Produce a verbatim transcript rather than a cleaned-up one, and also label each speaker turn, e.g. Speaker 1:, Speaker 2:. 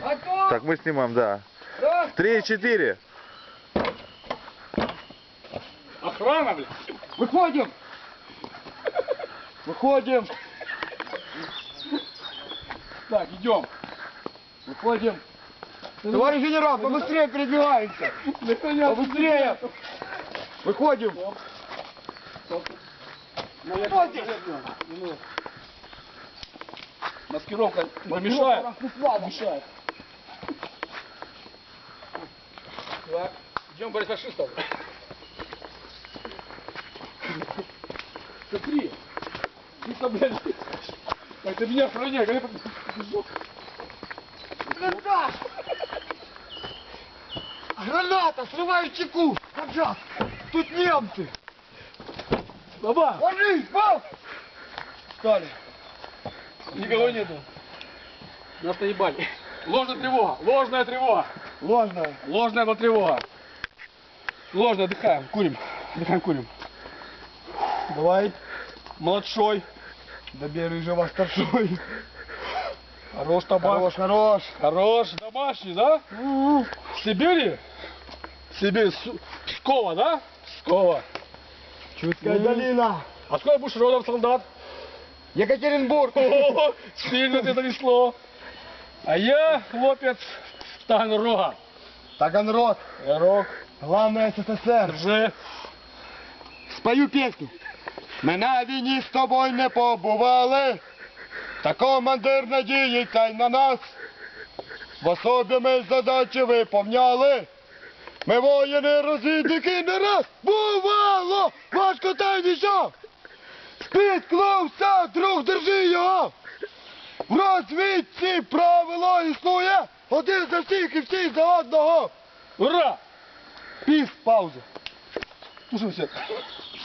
Speaker 1: Готов?
Speaker 2: Так, мы снимаем, да.
Speaker 1: Раз.
Speaker 2: Три, четыре.
Speaker 3: Охрана, блядь.
Speaker 1: Выходим. Выходим.
Speaker 3: Так, идем.
Speaker 1: Выходим. Товарищ генерал, побыстрее передвигаемся. Побыстрее. Выходим. Кто здесь?
Speaker 3: Маскировка помешает.
Speaker 1: Маскировка
Speaker 3: Мешает. Так, идем бороть фашистов. Смотри. Ты, блядь. Так, ты меня охраняй, когда я побежу.
Speaker 1: Блиндаж! Граната! Срываю чеку! Поджав! Тут немцы!
Speaker 3: Баба!
Speaker 1: Ложись! Бал! Встали!
Speaker 3: Никого нету. Нас наебали. Ложная тревога. Ложная тревога.
Speaker 1: Ложная!
Speaker 3: Ложная была тревога. Ложная, отдыхаем. Курим. Отдыхаем, курим.
Speaker 1: Давай!
Speaker 3: Младшой.
Speaker 1: Добей рыжего старшой!
Speaker 3: Хорош табак.
Speaker 1: Хорош, хорош!
Speaker 3: Хорош. Домашний, да? В Сибири? В Сибири. Су- Пскова, да? Пскова.
Speaker 1: Чудская долина!
Speaker 3: А сколько будешь родом солдат?
Speaker 1: Екатеринбург!
Speaker 3: О, сильно ты занесло. А я, хлопец, Таганрога.
Speaker 1: Таганрог!
Speaker 3: Рог.
Speaker 1: Главное СССР!
Speaker 3: Рже.
Speaker 1: Спою пісню. Ми на війні з тобою не побували, та командир надіється й на нас. В особі ми задачі виповняли. Ми воїни розвідники не раз бувало, важко та й нічого. Спіткнувся, друг, держи його. В розвідці правило існує, один за всіх і всі за одного.
Speaker 3: Ура!
Speaker 1: Пів, пауза.
Speaker 3: Слушай, все.